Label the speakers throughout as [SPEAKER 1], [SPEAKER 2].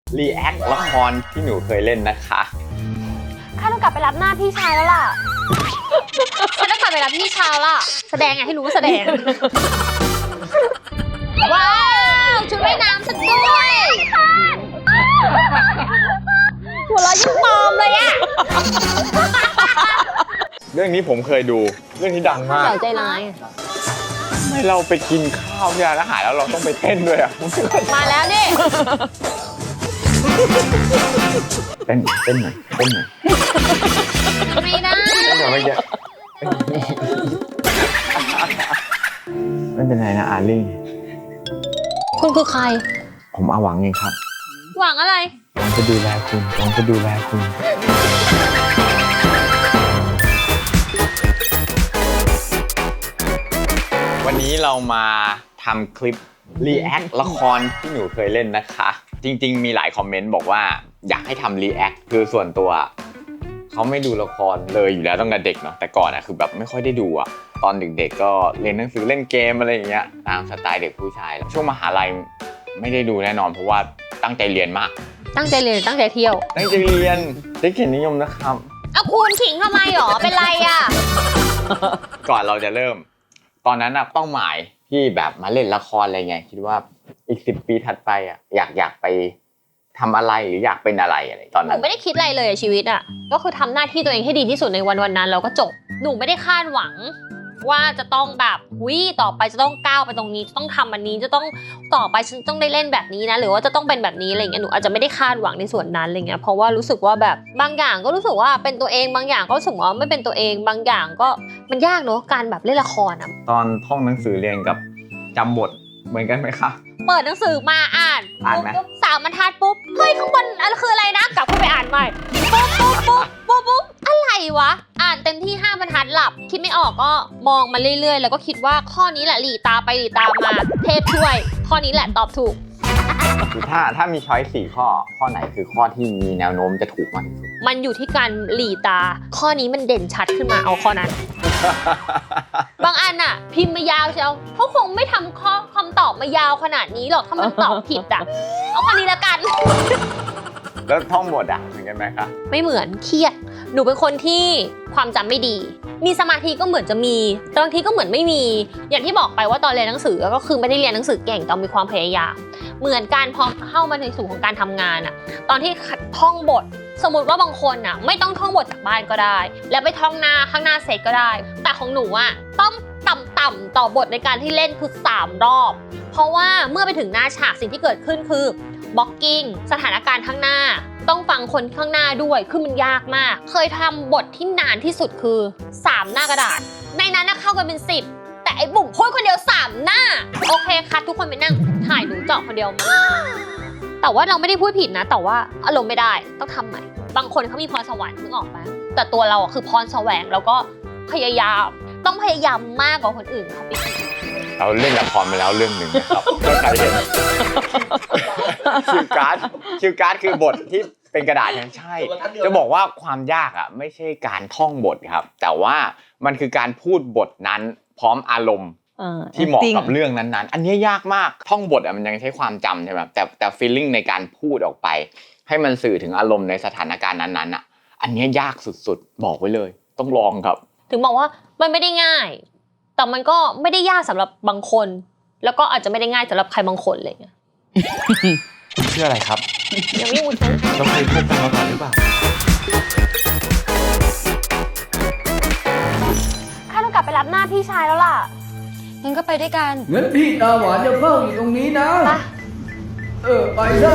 [SPEAKER 1] รีแอคละครที่หนูเคยเล่นนะคะ
[SPEAKER 2] ข้าต้องกลับไปรับหน้าพี่ชายแล้วล่ะฉันต้องกลับไปรับพี่ชายล่ะแสดงไงให้รู้ว่าแสดงว้าวชุดว่ายน้ำฉันด้วยหัวเราะยิ่งปลอมเลยอะ
[SPEAKER 1] เรื่องนี้ผมเคยดูเรื่องนี้ดังมาก
[SPEAKER 2] ใจร้าย
[SPEAKER 1] ทำไมเราไปกินข้าวที่ร้านอาหารแล้วเราต้องไปเต้นด้วยอ่ะ
[SPEAKER 2] มาแล้วนี่
[SPEAKER 1] เต้นหน่อย
[SPEAKER 2] ไม่ได้
[SPEAKER 1] ไม่เป็นไรนะอาลี่
[SPEAKER 2] คุณคือใคร
[SPEAKER 1] ผมอาหวังเองครับ
[SPEAKER 2] หวังอะไร
[SPEAKER 1] ผมจะดูแลคุณวันนี้เรามาทำคลิปรีแอคละครที่หนูเคยเล่นนะคะจริงๆมีหลายคอมเมนต์บอกว่าอยากให้ทำรีแอคคือส่วนตัวเขาไม่ดูละครเลยอยู่แล้วตั้งแต่เด็กเนาะแต่ก่อนอะคือแบบไม่ค่อยได้ดูอะตอนเด็กๆก็เรียนหนังสือเล่นเกมอะไรอย่างเงี้ยตามสไตล์เด็กผู้ชายช่วงมหาลัยไม่ได้ดูแน่นอนเพราะว่าตั้งใจเรียนมาก
[SPEAKER 2] ตั้งใจเรียนตั้งใจเที่ยว
[SPEAKER 1] ตั้งใจเรียนได้เกียรตินิยมนะครับ
[SPEAKER 2] เอาคุณขิงทำไมหรอเป็นไรอะ
[SPEAKER 1] ก่อนเราจะเริ่มตอนนั้นอะเป้าหมายที่แบบมาเล่นละครอะไรเงี้ยคิดว่าอีก10 ปีถัดไปอะอยากไปทำอะไรหรืออยากเป็นอะไรตอนนั้น
[SPEAKER 2] หนูไม่ได้คิดอะไรเลยชีวิตอะก็คือทำหน้าที่ตัวเองให้ดีที่สุดในวันนั้นแล้วก็จบหนูไม่ได้คาดหวังว่าจะต้องแบบต่อไปจะต้องก้าวไปตรงนี้จะต้องทำอันนี้จะต้องต่อไปฉันต้องได้เล่นแบบนี้นะหรือว่าจะต้องเป็นแบบนี้อะไรเงี้ยหนูอาจจะไม่ได้คาดหวังในส่วนนั้นอะไรเงี้ยเพราะว่ารู้สึกว่าแบบบางอย่างก็รู้สึกว่าเป็นตัวเองบางอย่างก็รู้สึกว่าไม่เป็นตัวเองบางอย่างก็มันยากเนอะการแบบเล่นละครอะ
[SPEAKER 1] ตอนท่องหนังสือเรียนกับจำบทเหมือนกันไหมคะ
[SPEAKER 2] เปิดหนังสือมาอ่าน
[SPEAKER 1] ไหม
[SPEAKER 2] 3 บรรทัดปุ๊บเฮ้ยข้างบนอะไรคืออะไรนะกลับเข้าไปอ่านใหม่ปุ๊บอะไรวะอ่านเต็มที่5 บรรทัดหลับคิดไม่ออกก็มองมาเรื่อยๆแล้วก็คิดว่าข้อนี้แหละหลีตาไปหลีตามาเทพช่วยข้อนี้แหละตอบถูก
[SPEAKER 1] ถ้ามีช้อย4 ข้อไหนคือข้อที่มีแนวโน้มจะถูกมากที่สุด
[SPEAKER 2] มันอยู่ที่การหลีตาข้อนี้มันเด่นชัดขึ้นมาเอาข้อนั้น บางอันน่ะพิมพ์มายาวเชียวเขาคงไม่ทำข้อคำตอบมายาวขนาดนี้หรอกถ้ามันตอบผิดอ่ะเอาข้อนี้ละกัน
[SPEAKER 1] แล้วท่องบทอ่ะเหมือนกันไหมคะ
[SPEAKER 2] ไม่เหมือนเครียดหนูเป็นคนที่ความจำไม่ดีมีสมาธิก็เหมือนจะมีแต่บางทีก็เหมือนไม่มีอย่างที่บอกไปว่าตอนเรียนหนังสือก็คือไม่ได้เรียนหนังสือเก่งแต่มีความพยายามเหมือนการพอเข้ามาในสู่ของการทำงานอ่ะตอนที่ท่องบทสมมติว่าบางคนอ่ะไม่ต้องท่องบทจากบ้านก็ได้แล้วไปท่องหน้าข้างหน้าเสร็จก็ได้แต่ของหนูอ่ะต้องต่ำต่อบทในการที่เล่นคือ3 รอบเพราะว่าเมื่อไปถึงหน้าฉากสิ่งที่เกิดขึ้นคือบล็อกกิ้งสถานการณ์ข้างหน้าต้องฟังคนข้างหน้าด้วยคือมันยากมากเคยทำบทที่นานที่สุดคือ3 หน้ากระดาษในนั้นเข้ากันเป็น10แต่ไอ้บุ๋มพูดคนเดียว3 หน้าโอเคคัดทุกคนไปนั่งถ่ายหนูเจาะคนเดียวแต่ว่าเราไม่ได้พูดผิดนะแต่ว่าอารมณ์ไม่ได้ต้องทำใหม่บางคนเขามีพรสวรรค์นึกออกปะแต่ตัวเราคือพรแสวงแล้วก็พยายามต้องพยายามมากกว่าคนอื่นเขาไป
[SPEAKER 1] เราเล่นละครมาแล้วเรื่องหนึ่งนะครับก็ใครเห็นคิวการ์ดคือบทที่เป็นกระดาษใช่จะบอกว่าความยากอ่ะไม่ใช่การท่องบทครับแต่ว่ามันคือการพูดบทนั้นพร้อมอารมณ์ที่เหมาะกับเรื่องนั้นๆอันนี้ยากมากท่องบทอ่ะมันยังใช้ความจำใช่ไหมแต่ feeling ในการพูดออกไปให้มันสื่อถึงอารมณ์ในสถานการณ์นั้นๆอ่ะอันนี้ยากสุดๆบอกไว้เลยต้องลองครับ
[SPEAKER 2] ถึงบอกว่ามันไม่ได้ง่ายแต่มันก็ไม่ได้ยากสำหรับบางคนแล้วก็อาจจะไม่ได้ง่ายสำหรับใครบางคนอะไรเงี้ย
[SPEAKER 1] เชื่ออะไรครับ
[SPEAKER 2] ยังไม่รู้
[SPEAKER 1] เราเคยพบกันมาก่อนหรือเปล่า
[SPEAKER 2] ข้าต้องกลับไปรับหน้าพี่ชายแล้วล่ะงั้นก็ไปด้วยกัน
[SPEAKER 3] งั้นพี่ตาหวานจะเฝ้าอยู่ตรงนี้นะไปได้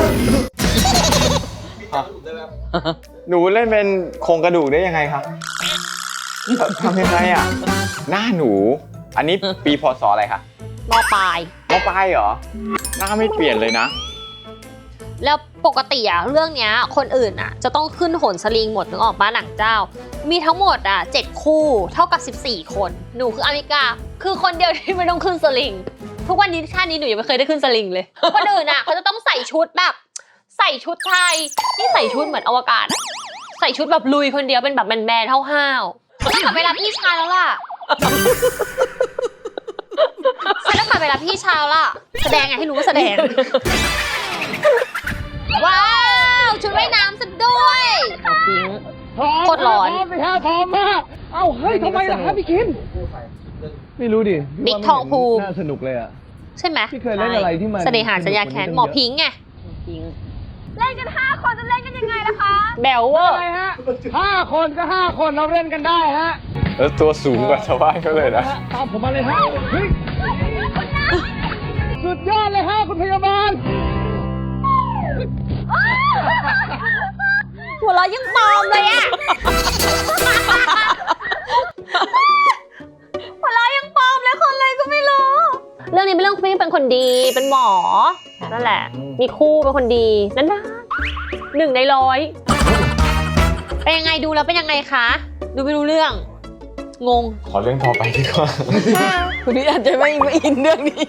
[SPEAKER 1] หนูเล่นเป็นโครงกระดูกได้ยังไงครับทำยังไงอ่ะหน้าหนูอันนี้ปีพศอะไรคะ
[SPEAKER 2] ม.ปลาย
[SPEAKER 1] เหรอหน้าไม่เปลี่ยนเลยนะ
[SPEAKER 2] แล้วปกติอะเรื่องเนี้ยคนอื่นอะจะต้องขึ้นโหนสลิงหมดนึกออกมาหนังเจ้ามีทั้งหมด7 คู่เท่ากับ14 คนหนูคืออเมริกาคือคนเดียวที่ไม่ต้องขึ้นสลิงทุกวันนี้ชาตินี้หนูยังไม่เคยได้ขึ้นสลิงเลยคนอื่นอะเขาจะต้องใส่ชุดแบบใส่ชุดไทยที่ใส่ชุดเหมือนอวกาศใส่ชุดแบบลุยคนเดียวเป็นแบบแมนๆห้าวๆต้องกลับไปรับพี่ชายแล้วล่ะฉันต้องกลับไปรับพี่ชายล่ะแสดงไงให้รู้ว่าแสดงว้าวชุดว่ายน้ำซะด้วยพิงโคตรร้อน
[SPEAKER 3] พร้อมมากเอ้าเฮ้ยทำไมล่ะครับพี่คิมไม่รู้ดิ
[SPEAKER 2] บิ๊กทองภูมิ
[SPEAKER 3] น่าสนุกเลยอ่ะ
[SPEAKER 2] ใช่ไหม
[SPEAKER 3] พี่เคยเล่นอะไรที่มัน
[SPEAKER 2] เสน่หาสัญญาแค้นหมอพิงค์ไงเล่นกัน5 คนจะเล่นกันยังไงนะคะ แบลเวอร์
[SPEAKER 3] อะไรฮะ5 คนก็ 5 คนเราเล่นกันได้ฮะ
[SPEAKER 1] แล้วตัวสูงกว่าชาวบ้านเขาเลยนะ
[SPEAKER 3] ตามผมมาเลยฮะเฮ้ยสุดยอดเลยฮะคุณพยาบาล
[SPEAKER 2] หัวเราะยังปลอมเลยอะหัวเราะยังปลอมเลยคนอะไรก็ไม่รู้ เรื่องนี้เป็นเรื่องคุณเป็นคนดีเป็นหมอนั่นแหละ มีคู่เป็นคนดีนั่นนะ1 ใน 100เป็นยังไงดูแล้วเป็นยังไงคะดูไม่รู้เรื่องงง
[SPEAKER 1] ขอเรื่องต่อไปดีกว่า
[SPEAKER 4] คุณนี่อาจจะไม่อินเรื่องนี้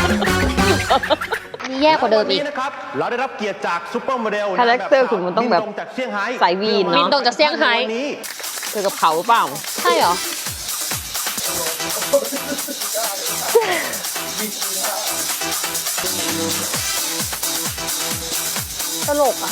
[SPEAKER 2] นี่แย่กว่าเดิมอีก
[SPEAKER 5] วันนี้นะครับเราได้รับเกียรติจากซุปเปอร์โมเดล
[SPEAKER 4] คาแรคเตอร์คุณมันต้องแบบ
[SPEAKER 5] บิตรงจากเซี่ยงไฮ้
[SPEAKER 4] สายวีน
[SPEAKER 2] บิน
[SPEAKER 4] เนาะ
[SPEAKER 2] ตรงจากเซี่ยงไฮ้
[SPEAKER 5] วันนี้
[SPEAKER 4] เธอกับเขาเปล่า
[SPEAKER 2] ใช่เหรอ ตลกอ่ะ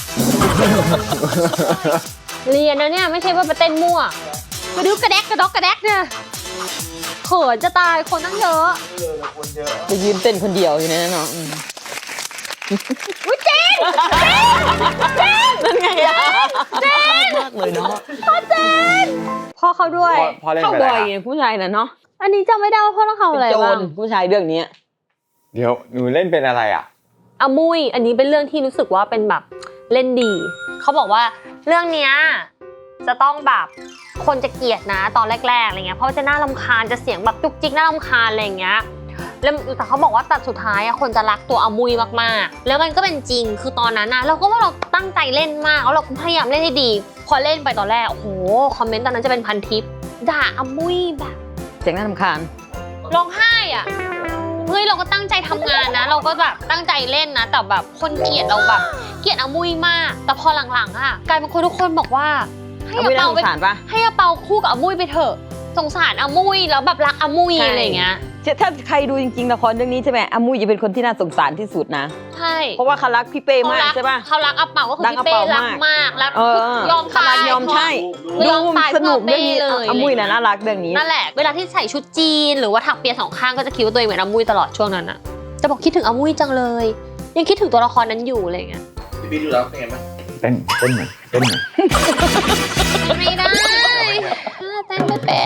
[SPEAKER 2] เรียนนะเนี่ยไม่ใช่ว่าไปเต้นมั่วมาดูกระแดกกระดอกกระแดกเนี่ยเขินจะตายคนตั้งเยอะ
[SPEAKER 4] จะยืนเต้นคนเดียวอยู่เนยเนาะ
[SPEAKER 2] อุ้ยเจนนั่นไงอะเจน
[SPEAKER 4] มากเลยเนาะ
[SPEAKER 2] พ่อเขาด้วย
[SPEAKER 1] พอเล่น
[SPEAKER 4] เข้า
[SPEAKER 1] ไป
[SPEAKER 4] บ่
[SPEAKER 1] แล้
[SPEAKER 4] อ
[SPEAKER 1] วย
[SPEAKER 4] ไงผู้ชายน่ะเนาะ
[SPEAKER 2] อันนี้จำไม่ได้ว่าพ่อต้องทำ
[SPEAKER 4] เป็
[SPEAKER 2] อะไร
[SPEAKER 4] นโจ
[SPEAKER 2] บ้าร ง
[SPEAKER 4] ผู้ชายเรื่องนี้
[SPEAKER 1] เดี๋ยวหนูเล่นเป็นอะไรอ่ะ
[SPEAKER 2] อามุยอันนี้เป็นเรื่องที่รู้สึกว่าเป็นแบบเล่นดี เขาบอกว่าเรื่องเนี้ยจะต้องแบบคนจะเกลียดนะตอนแรกๆอะไรเงี้ยเพราะจะน่ารำคาญจะเสียงแบบจุกจิกน่ารำคาญอะไรอย่างเงี้ยแล้วแต่เขาบอกว่าตัดสุดท้ายอะคนจะรักตัวอามุยมากๆแล้วมันก็เป็นจริงคือตอนนั้นนะเราก็ว่าเราตั้งใจเล่นมากแล้วเราก็พยายามเล่นให้ดี พอเล่นไปตอนแรกโอ้โหคอมเมนต์ตอนนั้นจะเป็นพันทิปด่าอามุยแบบ
[SPEAKER 4] เสียงน่ารำคาญ
[SPEAKER 2] ร้องไห้อะเฮ้ยเราก็ตั้งใจทำงานนะ เราก็แบบตั้งใจเล่นนะ แต่แบบคนเกลียดเราแบบเกลียดอามุยมาก แต่พอหลังๆอะกลายเป็นคนทุกคนบอกว่าให้
[SPEAKER 4] อามุ
[SPEAKER 2] อาย เปา
[SPEAKER 4] น่าสงสารปะ
[SPEAKER 2] ให้อาเปาคู่กับอามุยไปเถอะสงสารอามุยแล้วแบบรักอามุย
[SPEAKER 4] ใช่
[SPEAKER 2] อะไรอย่างเงี้ย
[SPEAKER 4] ถ้าใครดูจริงๆละครเรื่องนี้ใช่ไหมอามุยจะเป็นคนที่น่าสงสารที่สุดนะ
[SPEAKER 2] ใช่
[SPEAKER 4] เพราะว่าเขารักพี่เป้มากใช่ปะ
[SPEAKER 2] เขารักอาเปาก็คือ
[SPEAKER 4] รัก
[SPEAKER 2] พี่
[SPEAKER 4] อา
[SPEAKER 2] เป้
[SPEAKER 4] เปามาก
[SPEAKER 2] รักมากแล้ว
[SPEAKER 4] เออย
[SPEAKER 2] อมตาย
[SPEAKER 4] ยอมใช่
[SPEAKER 2] คือยอมตาย
[SPEAKER 4] สนุกเรื่องนี้
[SPEAKER 2] เพื่อเป้เลย
[SPEAKER 4] อามุยน่ะน่ารักเรื่องนี้
[SPEAKER 2] นั่นแหละเวลาที่ใส่ชุดจีนหรือว่าถักเปีย2 ข้างก็จะคิดว่าตัวเองเหมือนอามุยตลอดช่วงนั้นอะจะบอกคิดถึงอามุยจังเลย ยังคิดถึงตัวละครนั้นอยู่อะไรอย่างเงี้ย
[SPEAKER 5] พี่ดูแล้วเป็นไงบ้าง
[SPEAKER 1] เต้นหน่อยเต้นหน่อย
[SPEAKER 2] ไม่ได้เต้นไม่เป็น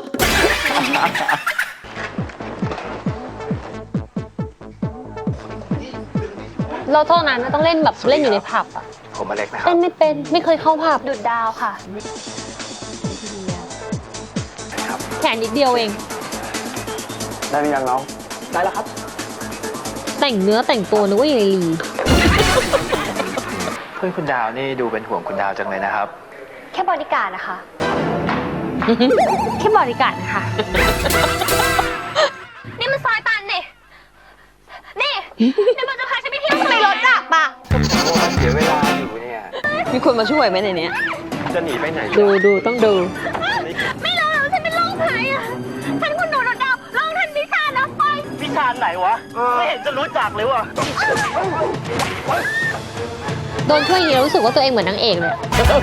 [SPEAKER 2] เราเท่านั้นนะต้องเล่นแบบเล่นอยู่ในผับอะ
[SPEAKER 5] ผมอเล็กนะครั
[SPEAKER 2] เต้
[SPEAKER 5] บ
[SPEAKER 2] นไม่เป็นไม่เคยเข้าผับดุดดาวค่ะแค่นิดเดียวเอง
[SPEAKER 1] ได้หรือยังน้อง
[SPEAKER 5] ได้แล้วครับ
[SPEAKER 2] แต่งเนื้อแต่งตัวนึกว่าอย่างไรลี
[SPEAKER 5] เพื่อนคุณดาวนี่ดูเป็นห่วงคุณดาวจังเลยนะครับ
[SPEAKER 2] แค่บริการนะคะ แค่บริการนะคะ นี่มันซอยตันนี่นี่มันจะพาฉันไปเที่ยวทำไมรถดับอ่ะ
[SPEAKER 5] โอ้เสียเวลาอยู่เนี่ย
[SPEAKER 4] มีคนมาช่วยไหมในเนี้ย
[SPEAKER 5] จะหนีไปไหน
[SPEAKER 2] ดูต้องดู
[SPEAKER 6] ไม่รู้แล้วฉันเป็นโรคภัยอ่ะ ฉันคุณหนูดาวลองทันพิชานะไป
[SPEAKER 5] วิชาไหนวะ ไม่เห็นจะรู้จักเลยวะ
[SPEAKER 2] โดนช่วยอย่างนี้เรารู้สึกว่าตัวเองเหมือนนางเอกเลย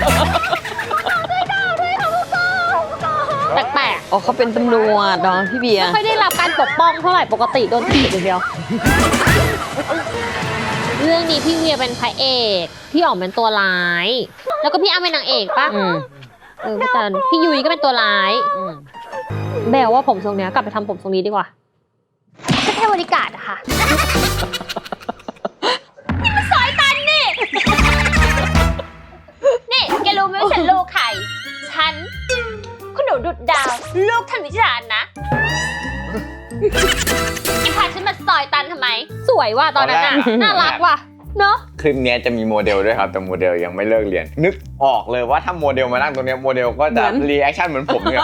[SPEAKER 2] แปลก
[SPEAKER 4] อ๋อเขาเป็นตำรวจเนาะพี่เบีย
[SPEAKER 2] ๆ
[SPEAKER 4] ร์
[SPEAKER 2] ไม่ค่อยได้รับการปกป้องเท่าไหร่ปกติโดนถีบอย่างเดียว เรื่องนี้พี่เวียเป็นพระเอกพี่อ๋อมเป็นตัวร้าย แล้วก็พี่อ้ำเป็นนางเอกปะ
[SPEAKER 4] อืม
[SPEAKER 2] พี่จันพี่ยุ้ยก็เป็นตัวร้าย
[SPEAKER 4] อืม
[SPEAKER 2] แบลว่าผมทรงเนี้ยกลับไปทำผมทรงนี้ดีกว่าก็แค่บริการอะค่ะ นี่มันซอยตันนี่ นี่แกรู้ไหมว่าฉันลูกใคร ฉัน คุณหนูดุดดาว ลูกท่านวิจารณ์นะแกพาฉันมาซอยตันทำไม สวยว่ะตอนนั้นน่ะ น่ารักว่ะ เนอะ
[SPEAKER 1] คลิปเนี้ยจะมีโมเดลด้วยครับแต่โมเดลยังไม่เลิกเรียน นึกออกเลยว่าถ้าโมเดลมานั่งตรงเนี้ยโมเดลก็จะรีแอคชั่นเหมือนผมเนี่ย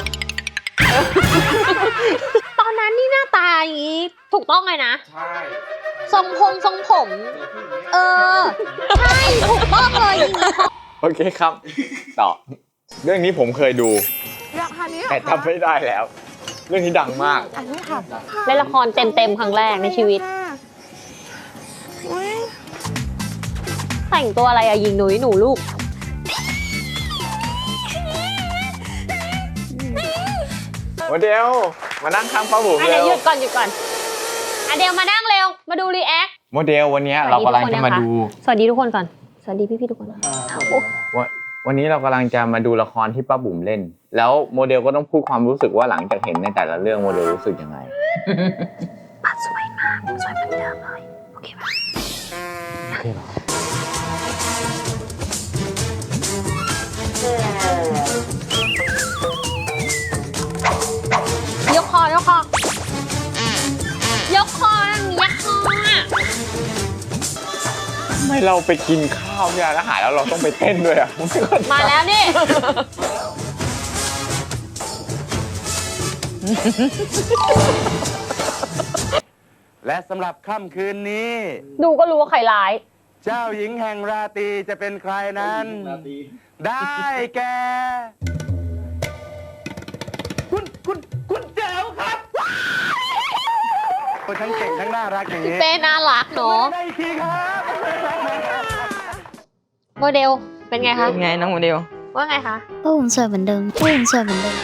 [SPEAKER 2] ตอนนั้นนี่หน้าตาอย่างนี้ถูกต้องเลยนะ
[SPEAKER 5] ใช่
[SPEAKER 2] ทรงผม เออ ใช่ถูกต้องเลยอย่างนี้
[SPEAKER 1] โอเคครับ ต่อ เรื่องนี้ผมเคยดู แต่จำไม่ได้แล้ว เรื่องนี้ดังมาก
[SPEAKER 2] เล่นละครเต็มๆครั้งแรกในชีวิตแต่งตัวอะไรอะยิงหนูลูก
[SPEAKER 1] โมเดลมานั่งข้างป้าบุ๋ม
[SPEAKER 2] อ่ะ
[SPEAKER 1] เร็
[SPEAKER 2] เดี๋ยว
[SPEAKER 1] ว
[SPEAKER 2] หยุดก่อนอ่ะเดี๋ยวมานั่งเร็วมาดูรีแอค
[SPEAKER 1] โมเดลวันนี้เรากำลังจะมาดู
[SPEAKER 2] สวัสดีทุกคนก่อนสวัสดีพี่ๆทุกคน
[SPEAKER 1] วันนี้เรากำลังจะมาดูละครที่ป้าบุ๋มเล่น แล้วโมเดลก็ต้องพูดความรู้สึกว่าหลังจากเห็นในแต่ละเรื่องโมเดลรู้สึกยังไง
[SPEAKER 2] ปัดสวยมากสวยเหมือนเดิมเลยโอเคป่ะ
[SPEAKER 1] โอเคเหรอ
[SPEAKER 2] ยกคอยกคอยกคอยักคออ่ะ
[SPEAKER 1] ทำไมเราไปกินข้าวที่ร้านอาหารแล้วเราต้องไปเต้นด้วยอ่ะ
[SPEAKER 2] มาแล้วนี่
[SPEAKER 7] และสำหรับค่ำคืนนี้
[SPEAKER 2] ดูก็รู้ว่าใครร้าย
[SPEAKER 7] เจ้าหญิงแห่งราตรีจะเป็นใครนั้น ได้แก่คุณแจ๋วครับทั้งเก่งทั้งน่ารักอย่างนี้
[SPEAKER 2] เป้น่ารักเนาะ
[SPEAKER 7] ได้อีกทีครับ
[SPEAKER 2] โมเดลเป็นไงคะ
[SPEAKER 4] เป็นไงน้องโมเดล
[SPEAKER 2] ว่าไงคะ
[SPEAKER 6] ป้าผมสวยเหมือนเดิมป้าผมสวยเหมือนเดิม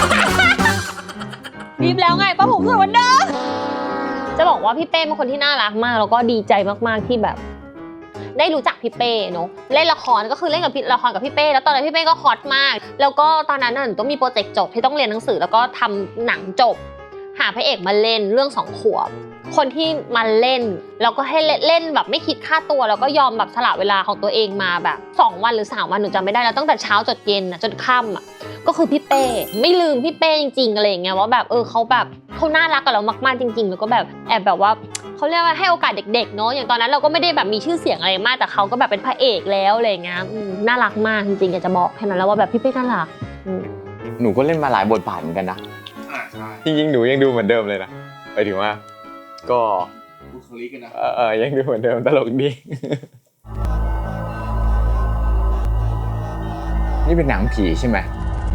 [SPEAKER 2] รีบแล้วไงป้าผมสวยเหมือนเดิมจะบอกว่าพี่เป้เป็นคนที่น่ารักมากแล้วก็ดีใจมากๆที่แบบ ได้รู้จักพี่เป้เนาะเล่นละครก็คือเล่นกับละครกับพี่เป้แล้วตอนนั้นพี่เป้ก็ฮอตมาก แล้วก็ตอนนั้นน่ะหนูต้องมีโปรเจกต์จบที่ต้องเรียนหนังสือแล้วก็ทำหนังจบ หาพระเอกมาเล่นเรื่อง2 ขวบคนที่มาเล่นแล้วก็ให้เล่นแบบไม่คิดค่าตัวแล้วก็ยอมแบบสละเวลาของตัวเองมาแบบ2 วันหรือ3 วันหนูจำไม่ได้แล้วตั้งแต่เช้าจนเย็นอ่ะจนค่ำอ่ะก็คือพี่เป้ไม่ลืมพี่เป้จริงๆอะไรอย่างเงี้ยว่าแบบเขาแบบเขาน่ารักกับเรามากๆจริงๆแล้วก็แบบแอบแบบว่าเขาเรียกว่าให้โอกาสเด็กๆเนาะอย่างตอนนั้นเราก็ไม่ได้แบบมีชื่อเสียงอะไรมากแต่เขาก็แบบเป็นพระเอกแล้วอะไรอย่างเงี้ยน่ารักมากจริงๆอยากจะบอกแค่นั้นแล้วว่าแบบพี่เป้น่ารัก
[SPEAKER 1] หนูก็เล่นมาหลายบทบาทเหมือนกันนะจริงๆหนูยังดูเหมือนเดิมเลยนะไปถึงว่าก็บุคลิกนะยังดูเหมือนเดิมตลกดี นี่เป็นหนังผีใช่ไหม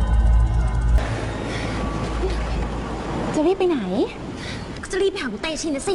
[SPEAKER 6] จะรีบไปไหนจะรีบไปหาคุณเตชินนะสิ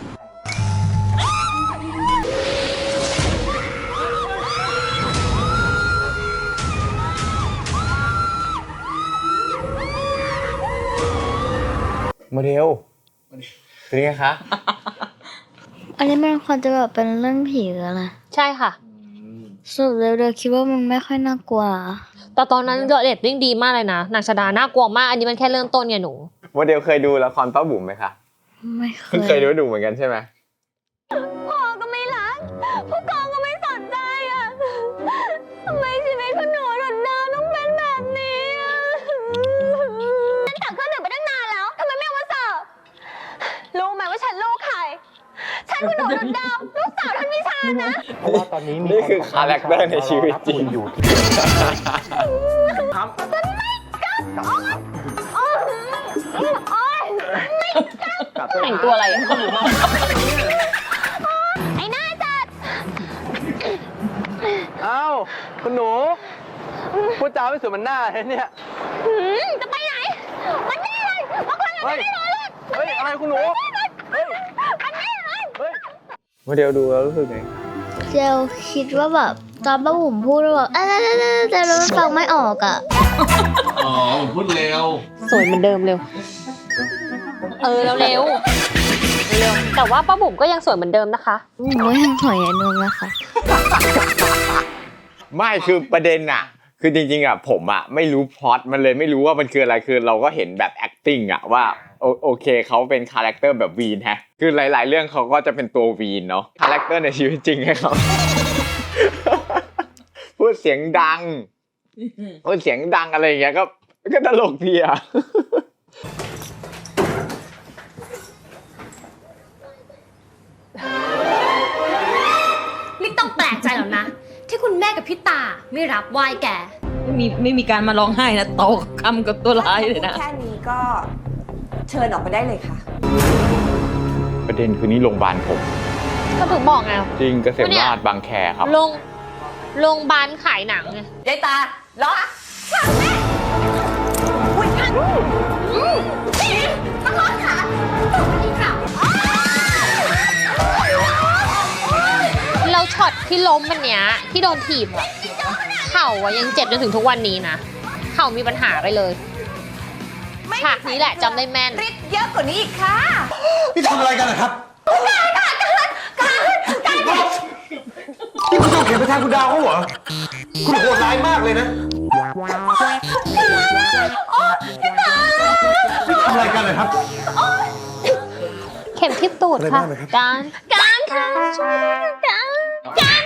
[SPEAKER 1] โมเดลเป็นไงคะ
[SPEAKER 6] อันนี้มันควรจะแบบเป็นเรื่องผีหรืออะไร
[SPEAKER 2] ใช่ค่ะ
[SPEAKER 6] สรุปเร็วๆคิดว่ามันไม่ค่อยน่ากลัว
[SPEAKER 2] แต่ตอนนั้นเรตติ้งดีมากเลยนะนางชดาน่ากลัวมากอันนี้มันแค่เริ่มต้นไงหนู
[SPEAKER 1] โมเดลเคยดูละครป้าบุ๋มไหมคะ
[SPEAKER 6] ไม่เค
[SPEAKER 1] เพิ่งเคยดูเหมือนกันใช่ไหม
[SPEAKER 6] พ่อก็ไม่รักผู้กองก็ไม่สนใจอ่ะทำไมชีวิตของหนูหล่นดาวต้องเป็นแบบนี้อ่ะฉันตักเครื่องดื่มไปตั้งนานแล้วทำไมไม่เอามาเสิร์ฟรู้ไหมว่าฉันลูกใครฉันคุณหนูหล่นดาวลูกสาวท่านวิชานะ
[SPEAKER 5] เพราะว่าตอนนี้มี
[SPEAKER 1] นี่คือคาแรคเตอร์ในชีวิตจริง
[SPEAKER 5] อยู่ที่
[SPEAKER 2] แต่งตัวอะไรอ่ะ
[SPEAKER 6] ไอ้หน้าจัด
[SPEAKER 5] อ้าวคุณหนูพูดจาไม่สวยเหมันหน้าเลยเนี่ย
[SPEAKER 6] จะไปไหนมันนี่เลยมาคุยกัน
[SPEAKER 5] เฮ้ย
[SPEAKER 6] ไม่ได้เลย
[SPEAKER 5] เฮ้ย อะไรคุณหนู เฮ้ย
[SPEAKER 6] มันนี่เลย
[SPEAKER 5] เฮ้ย
[SPEAKER 1] โมเดลดูแล้วรู้สึกไง
[SPEAKER 6] เจลคิดว่าแบบตอนป้าบุ๋มพูดว่าแต่เราฟังไม่ออกอ่ะ
[SPEAKER 8] อ๋อผมพูดเร็ว
[SPEAKER 2] สวยเหมือนเดิมเร็วแล้วเร็วแต่ว่าป้าบุ๋มก็ยังสวยเหมือนเดิมนะคะ
[SPEAKER 6] หนูยังถอยอย่างนึงนะคะ
[SPEAKER 1] ไม่คือประเด็นอะคือจริงๆอะผมอะไม่รู้พล็อตมันเลยไม่รู้ว่ามันคืออะไรคือเราก็เห็นแบบ acting อะว่าโอเคเขาเป็นคาแรคเตอร์แบบวีนฮะคือหลายๆเรื่องเขาก็จะเป็นตัววีนเนาะคาแรคเตอร์ในชีวิตจริงให้เขา พูดเสียงดังอะไรอย่างเงี้ยก็ตลกดีอะ
[SPEAKER 9] ไม่ต้องแปลกใจหรอกนะ ที่คุณแม่กับพี่ตาไม่รับไหว้แก
[SPEAKER 4] ไม่มีการมาร้องไห้นะโตคำกับตัวร้ายเลยนะ
[SPEAKER 10] แค่นี้ก็เชิญออกไปได้เลยค่ะ
[SPEAKER 1] ประเด็นคือนี่โรงพยาบาลผม
[SPEAKER 2] ก็ถึงบอกไง
[SPEAKER 1] จริงเกษมราษฎร์บางแคครับ
[SPEAKER 2] โรงพยาบาลขายหนังไง
[SPEAKER 10] ยายตาล้ออุ้ยท่านมาล้อค่ะตกอีกค่ะ
[SPEAKER 2] เราช็อตที่ที่ล้มวันเนี้ยที่โดนถีบอะเข่าอะยังเจ็บจนถึงทุกวันนี้นะเข่ามีปัญหาไปเลยฉากนี้แหละจำได้แม่น
[SPEAKER 10] ฤทธิ์เยอะกว่านี้อีกค่ะ
[SPEAKER 7] นี่ทำอะไรกันนะครับนี่คุณจะเขียนไปแทนคุณดาวเขาเหรอ คุณโหดร้ายมากเลยนะนี่ทำอะไรกันเลยครับ
[SPEAKER 2] เข็มทิ่ตูดค่ะ
[SPEAKER 7] อะไรบ้างเลยครับ
[SPEAKER 2] การค่ะช่วยด้วยการ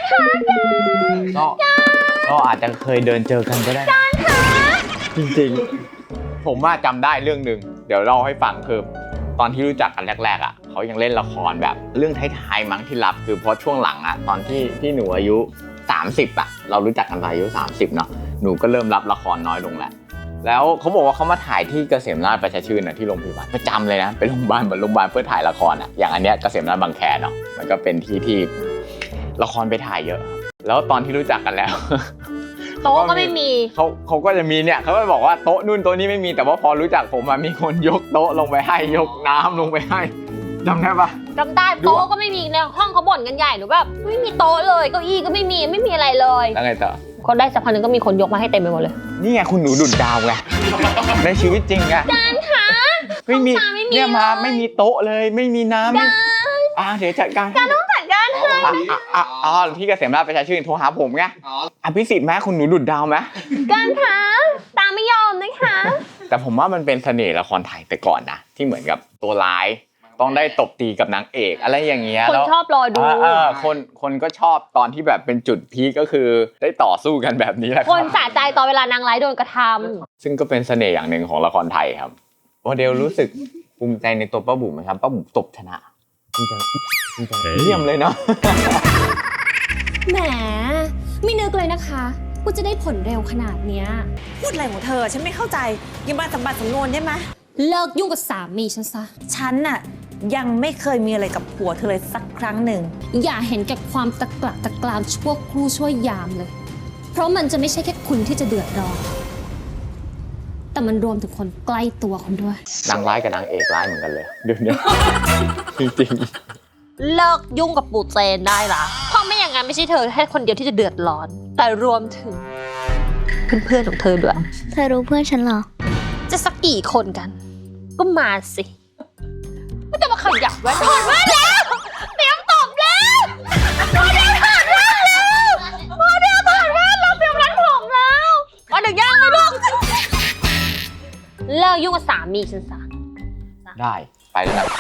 [SPEAKER 1] ก็อาจจะเคยเดินเจอกันก็ได้นะจริงๆผมว่าจำได้เรื่องหนึ่งเดี๋ยวเล่าให้ฟังคือตอนที่รู้จักกันแรกๆอ่ะเขายังเล่นละครแบบเรื่องท้ายๆมั้งที่รับคือเพราะช่วงหลังอ่ะตอนที่หนูอายุ30อ่ะเรารู้จักกันตอนอายุ30เนาะหนูก็เริ่มรับละครน้อยลงแล้วเขาบอกว่าเขามาถ่ายที่เกษมราชประชาชื่นที่โรงพยาบาลประจำเลยนะเป็นโรงพยาบาลเหมือนโรงพยาบาลเพื่อถ่ายละครอ่ะอย่างอันเนี้ยเกษมราชบางแคเนาะมันก็เป็นที่ละครไปถ่ายเยอะแล้วตอนที่รู้จักกันแล้ว
[SPEAKER 2] โต๊ะก็ไม่มี
[SPEAKER 1] เขาก็จะมีเนี่ยเขาก็บอกว่าโต๊ะนู่นโต๊ะนี้ไม่มีแต่ว่าพอรู้จักผมมีคนยกโต๊ะลงไปให้ยกน้ำลงไปให้จำได้ปะ
[SPEAKER 2] จำได้โต๊ะก็ไม่มีในห้องเขาบ่นกันใหญ่หรือแบบไม่มีโต๊ะเลยเก้าอี้ก็ไม่มีอะไรเลย
[SPEAKER 1] แล้วไงต่อ
[SPEAKER 2] ก็ได้สักพักนึงก็มีคนยกมาให้เต็มไปหมดเลย
[SPEAKER 1] นี่ไงคุณหนูดุดดาวไง ในชีวิตจริงไง
[SPEAKER 2] การค่ะ
[SPEAKER 1] ไม่มี
[SPEAKER 2] ห้องน้ำไม่มี
[SPEAKER 1] เนี่ยมา
[SPEAKER 2] เลย
[SPEAKER 1] ไม่มีโต๊ะเลยไม่มีน้ำไม่เดี๋ยวจัดการการต้องจัดการที่เกษมราชประชาชื่นโทรหาผมไงอภิสิทธิ์ไหมคุณหนูดุดดาวไหม
[SPEAKER 2] การค่ะตามไม่ยอมนะคะ
[SPEAKER 1] แต่ผมว่ามันเป็นเสน่ห์ละครไทยแต่ก่อนนะที่เหมือนกับตัวร้ายต้องได้ตบตีกับนางเอกอะไรอย่างเงี้ย
[SPEAKER 2] คนชอบรอดู
[SPEAKER 1] คนก็ชอบตอนที่แบบเป็นจุดพีคก็คือได้ต่อสู้กันแบบนี้แหละ
[SPEAKER 2] คนสะใจตอนเวลานางร้ายโดนกระท
[SPEAKER 1] ซึ่งก็เป็นเสน่ห์อย่างหนึ่งของละครไทยครับโมเดลรู้สึกภูมิใจในตัวป้าบุ๋มไหมครับป้าบุ๋มตบชนะภูมิใจเยี่ยมเลยเนาะ
[SPEAKER 9] แหม ไม่นึกเลยนะคะว่าจะได้ผลเร็วขนาดเนี้ย
[SPEAKER 10] พูดอะไรของเธอ ฉันไม่เข้าใจ ยังมาสัมบัติสำนวนได้ไหม
[SPEAKER 9] เลิกยุ่งกับสามีฉันซะ
[SPEAKER 10] ฉันน่ะยังไม่เคยมีอะไรกับผัวเธอเลยสักครั้งหนึ่ง
[SPEAKER 9] อย่าเห็นแก่ความตะกละตะกรามชั่วครู่ชั่วยามเลย เพราะมันจะไม่ใช่แค่คุณที่จะเดือดร้อน แต่มันรวมถึงคนใกล้ตัวคุณด้วย
[SPEAKER 1] นางร้ายกับนางเอกร้ายเหมือนกันเลยเดี๋ยวนี้ จริง
[SPEAKER 2] ำเลิกยุ่งกับปู่เจนได้ละเพราะไม่อย่างนั้นไม่ใช่เธอแค่คนเดียวที่จะเดือดร้อน แต่รวมถึงเพื่อนๆของเธอด้วย
[SPEAKER 6] เธอรู้เพื่อนฉันเหรอ
[SPEAKER 2] จะสักกี่คนกัน ก็มาสิไม่ต้องมาขยับไว้ถอดแว่นแล้วเตรียมตบแล้วโมเดลถอดแว่นแล้วโมเดลถอดแว่นแล้วเตรียมรัดผมแล้วเอาหนึ่งย่างไหมลูกเลิกยุ่งกับสามีฉันซะ
[SPEAKER 1] ๆได้ไปแล้วนะ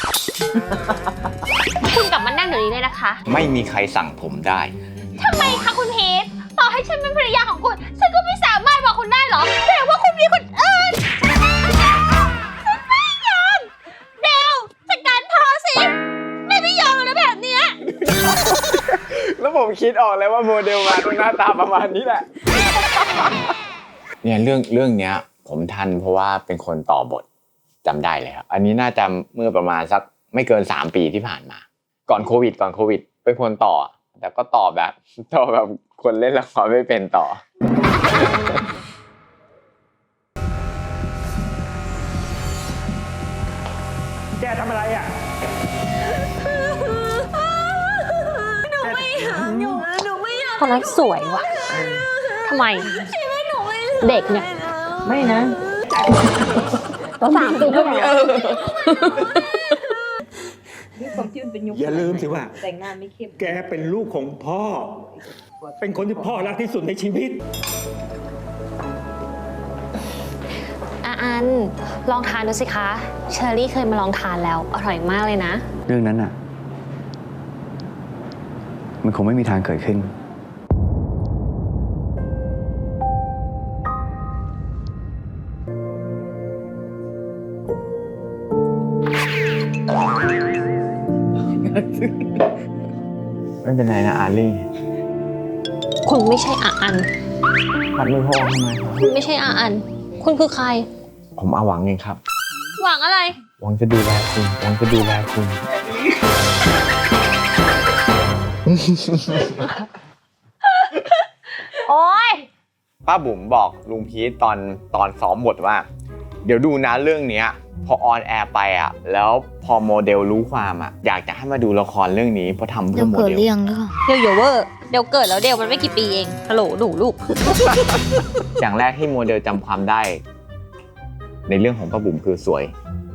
[SPEAKER 2] คุณกลับมานั่งเดี๋ยวนี้เลยนะคะ
[SPEAKER 1] ไม่มีใครสั่งผมได้
[SPEAKER 2] ทำไมคะคุณพีทต่อให้ฉันเป็นภรรยาของคุณฉันก็ไม่สามารถบอกคุณได้หรอแต่ว่าคุณมีคนอื่นไม่ยอมเดวจัดการพอสิไม่ยอมแล้วแบบเนี้ย
[SPEAKER 1] แล้วผมคิดออกเลยว่าโมเดลมาต้องหน้าตาประมาณนี้แหละ เนี่ยเรื่องเนี้ยผมทันเพราะว่าเป็นคนต่อบทจำได้เลยครับอันนี้น่าจะเมื่อประมาณสักไม่เกิน3 ปีที่ผ่านมาก่อนโควิดเป็นคนต่อแต่ก็ต่อแบบคนเล่นละครไม่เป็นต่อ
[SPEAKER 7] แกทำอะไรอ่ะ
[SPEAKER 2] คนนั้นสวยว่ะทำไมเด็กเนี่ย
[SPEAKER 4] ไม่นะ
[SPEAKER 2] 3 ปีที่แล้ว
[SPEAKER 4] ความที่มันเป็นยุค
[SPEAKER 7] อย่าลืมสิว่า
[SPEAKER 4] แต่งหน้าไม่เข้ม
[SPEAKER 7] แกเป็นลูกของพ่อ เป็นคนที่พ่อรักที่สุดในชีวิต
[SPEAKER 2] อันลองทานดูสิคะเชอรี่เคยมาลองทานแล้วอร่อยมากเลยนะ
[SPEAKER 11] เรื่องนั้นน่ะ มันคงไม่มีทางเกิดขึ้น
[SPEAKER 1] ไม่เป็นไรนะอาลี่
[SPEAKER 2] คุณไม่ใช่อัน
[SPEAKER 1] ปัดมือพอทำไมครับ
[SPEAKER 2] คุณไม่ใช่อันคุณคือใคร
[SPEAKER 1] ผมอาหวังเองครับ
[SPEAKER 2] หวังอะไร
[SPEAKER 1] หวังจะดูแลคุณหวังจะดูแลคุณ
[SPEAKER 2] โอ๊ย
[SPEAKER 1] ป้าบุ๋มบอกลุงพีทตอนซ้อมบทว่า เดี๋ยวดูนะเรื่องเนี้ยพพอออนแอร์ไปอ่ะแล้วพอโมเดลรู้ความอ่ะอยากจะให้มาดูละครเรื่องนี้เพราะทำเพื่อโมเดล
[SPEAKER 2] เดลโยเวอร์เดลเกิดแล้วเดลมันไม่กี่ปีเองฮัลโหลหนูลูก
[SPEAKER 1] อย่างแรกที่โมเดลจำความได้ ในเรื่องของป้าบุ๋มคือสวย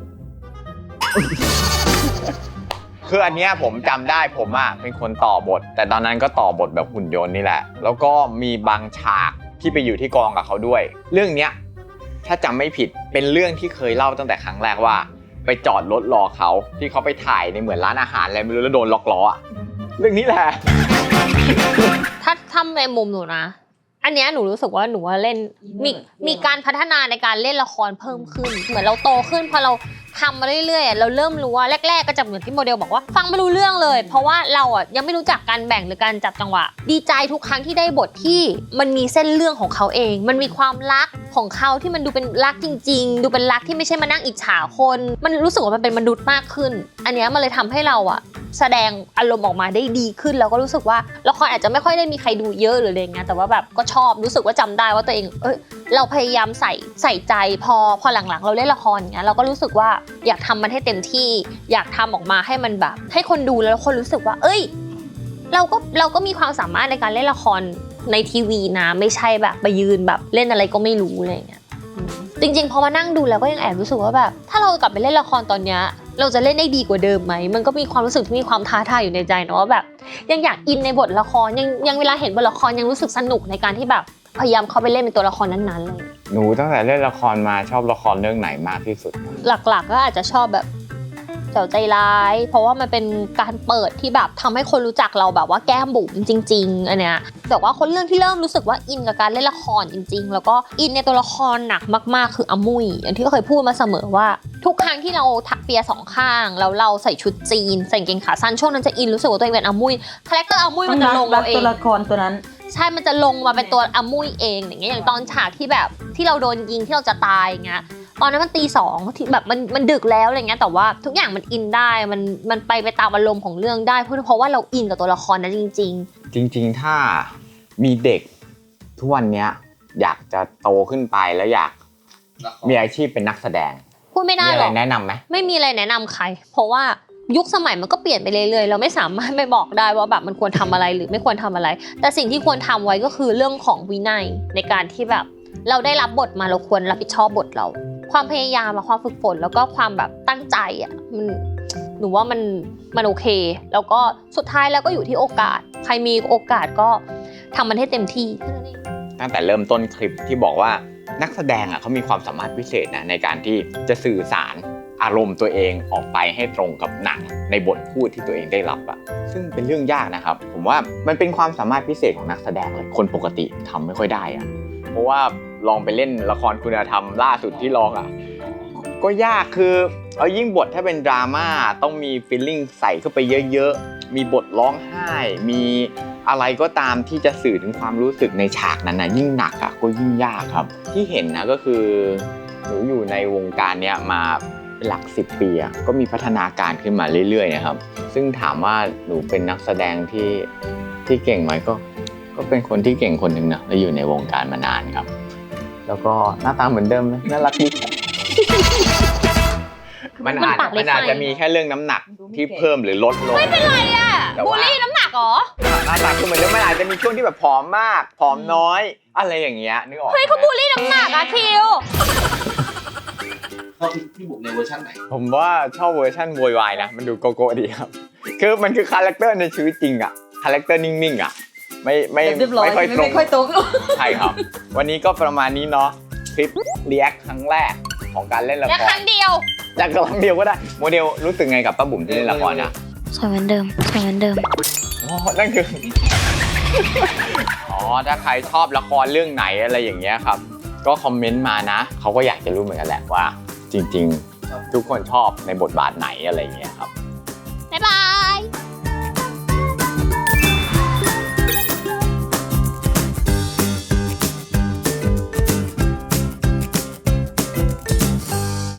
[SPEAKER 1] คืออันเนี้ยผมจำได้ผมอ่ะเป็นคนต่อบท แต่ตอนนั้นก็ต่อบทแบบหุ่นยนต์นี่แหละแล้วก็มีบางฉากที่ไปอยู่ที่กองกับเขาด้วย เรื่องเนี้ยถ้าจำไม่ผิดเป็นเรื่องที่เคยเล่าตั้งแต่ครั้งแรกว่าไปจอดรถรอเขาที่เขาไปถ่ายในเหมือนร้านอาหารอะไรไม่รู้แล้วโดนล็อกล้ออ่ะเรื่องนี้แหละ
[SPEAKER 2] ถ้าทำในมุมหนูนะอันเนี้ยหนูรู้สึกว่าหนูว่าเล่นมีการพัฒนาในการเล่นละครเพิ่มขึ้นเหมือนเราโตขึ้นพอเราทำมาเรื่อยๆเราเริ่มรู้ว่าแรกๆก็จะเหมือนที่โมเดลบอกว่าฟังไม่รู้เรื่องเลยเพราะว่าเราอ่ะยังไม่รู้จักการแบ่งหรือการจับจังหวะดีใจทุกครั้งที่ได้บทที่มันมีเส้นเรื่องของเขาเองมันมีความรักของเขาที่มันดูเป็นรักจริงๆดูเป็นรักที่ไม่ใช่มานั่งอิจฉาคนมันรู้สึกว่ามันเป็นมนุษย์มากขึ้นอันเนี้ยมันเลยทำให้เราอ่ะแสดงอารมณ์ออกมาได้ดีขึ้นแล้วก็รู้สึกว่าละครอาจจะไม่ค่อยได้มีใครดูเยอะหรืออะไรเงี้ยแต่ว่าแบบก็ชอบรู้สึกว่าจำได้ว่าตัวเองเราพยายามใส่ใจพอหลังๆเราเล่นละครอย่างเงี้ยเราก็รู้สึกว่าอยากทำมันให้เต็มที่อยากทำออกมาให้มันแบบให้คนดูแล้วคนรู้สึกว่าเราก็มีความสามารถในการเล่นละครในทีวีนะไม่ใช่แบบไปยืนแบบเล่นอะไรก็ไม่รู้อะไรเงี้ยจริงๆพอมานั่งดูแล้วก็ยังแอบรู้สึกว่าแบบถ้าเรากลับไปเล่นละครตอนเนี้ยเราจะเล่นได้ดีกว่าเดิมไหมมันก็มีความรู้สึกที่มีความท้าทายอยู่ในใจเนาะว่าแบบยังอยากอินในบทละครยังเวลาเห็นบทละครยังรู้สึกสนุกในการที่แบบพยายามเข้าไปเล่นเป็นตัวละครนั้นๆเลย
[SPEAKER 1] หนูตั้งแต่เล่นละครมาชอบละครเรื่องไหนมากที่สุด
[SPEAKER 2] หลักๆก็อาจจะชอบแบบเจ้าใจร้ายเพราะว่ามันเป็นการเปิดที่แบบทำให้คนรู้จักเราแบบว่าแก้มบุ๋มจริงๆอันเนี้ยแต่ว่าคนเรื่องที่เริ่มรู้สึกว่าอินกับการเล่นละครจริงๆแล้วก็อินในตัวละครหนักมากๆคืออามุยอย่างที่เคยพูดมาเสมอว่าทุกครั้งที่เราถักเปียสองข้างแล้วเราใส่ชุดจีนใส่กางเกงขาสั้นช่วงนั้นจะอินรู้สึกว่าตัวเองเป็นอามุยคาแรคเตอร์อามุยมันจะลงมาเอง
[SPEAKER 4] ตัวละครตัวนั้น
[SPEAKER 2] ใช่มันจะลงมาเป็นตัวอามุยเองอย่างเงี้ยอย่างตอนฉากที่แบบที่เราโดนยิงที่เราจะตายอย่างเงี้ยตอนนั้นมันตี 2ที่แบบมันดึกแล้วอะไรเงี้ยแต่ว่าทุกอย่างมันอินได้มันไปตามอารมณ์ของเรื่องได้เพราะว่าเราอินกับตัวละครนั้นจริง
[SPEAKER 1] ๆถ้ามีเด็กทุกวันนี้อยากจะโตขึ้นไปแล้วอยากมีอาชีพเป็นนักแสดง
[SPEAKER 2] พูดไม่ได้หรอก
[SPEAKER 1] มีอะไรแนะนำไหม
[SPEAKER 2] ไม่มีอะไรแนะนำใครเพราะว่ายุคสมัยมันก็เปลี่ยนไปเรื่อยๆเราไม่สามารถไปบอกได้ว่าแบบมันควรทำอะไรหรือไม่ควรทำอะไรแต่สิ่งที่ควรทำไว้ก็คือเรื่องของวินัยในการที่แบบเราได้รับบทมาเราควรรับผิดชอบบทเราความพยายามความฝึกฝนแล้วก็ความแบบตั้งใจอ่ะหนูว่ามันโอเคแล้วก็สุดท้ายแล้วก็อยู่ที่โอกาสใครมีโอกาสก็ทำมันให้เต็มที่
[SPEAKER 1] ตั้งแต่เริ่มต้นคลิปที่บอกว่านักแสดงอ่ะเขามีความสามารถพิเศษนะในการที่จะสื่อสารอารมณ์ตัวเองออกไปให้ตรงกับหนังในบทพูดที่ตัวเองได้รับอ่ะซึ่งเป็นเรื่องยากนะครับผมว่ามันเป็นความสามารถพิเศษของนักแสดงเลยคนปกติทำไม่ค่อยได้อ่ะเพราะว่าลองไปเล่นละครคุณธรรมล่าสุดที่ลองอ่ะก็ยากคือเอายิ่งบทถ้าเป็นดราม่าต้องมีฟีลลิ่งใส่เข้าไปเยอะๆมีบทร้องไห้มีอะไรก็ตามที่จะสื่อถึงความรู้สึกในฉากนั้นนะยิ่งหนักอ่ะก็ยิ่งยากครับที่เห็นนะก็คือหนูอยู่ในวงการเนี้ยมาหลัก10 ปีอ่ะก็มีพัฒนาการขึ้นมาเรื่อยๆนะครับซึ่งถามว่าหนูเป็นนักแสดงที่เก่งไหมก็เป็นคนที่เก่งคนหนึ่งนะและอยู่ในวงการมานานครับแล้วก็หน้าตาเหมือนเดิมไหมน่ารักดีมันอาจจะมีแค่เรื่องน้ำหนักที่เพิ่มหรือลดลง
[SPEAKER 2] ไม่เป็นไรอ่ะบูลลี่น้ำหนักหรอ
[SPEAKER 1] หน้าตาคือเหมือนเดิมมันอาจจะมีช่วงที่แบบผอมมากผอมน้อยอะไรอย่างเงี้ยนึกออก
[SPEAKER 2] เฮ้ยเขาบูลลี่น้ำหนักอะทิว
[SPEAKER 8] ชอบพี่บุ๋มในเวอร์ชันไหน
[SPEAKER 1] ผมว่าชอบเวอร์ชันโวยวายนะมันดูโกโก้ดีครับคือมันคือคาแรคเตอร์ในชีวิตจริงอะคาแรคเตอร์นิ่งๆอะไม่ค่อยตรงใช่ครับวันนี้ก็ประมาณนี้เนาะคลิปรีแอคครั้งแรกของการเล่นละคร
[SPEAKER 2] และครั้งเดียว
[SPEAKER 1] จากครั้งเดียวก็ได้โมเดลรู้สึกไงกับป้าบุ๋มที่เล่นละครนะ
[SPEAKER 6] สวยเหมือนเดิม
[SPEAKER 1] อ๋อนั่นคือถ้าใครชอบละครเรื่องไหนอะไรอย่างเงี้ยครับก็คอมเมนต์มานะเขาก็อยากจะรู้เหมือนกันแหละว่าจริงๆทุกคนชอบในบทบาทไหนอะไรอย่างเงี้ยครับ
[SPEAKER 2] บ๊ายบาย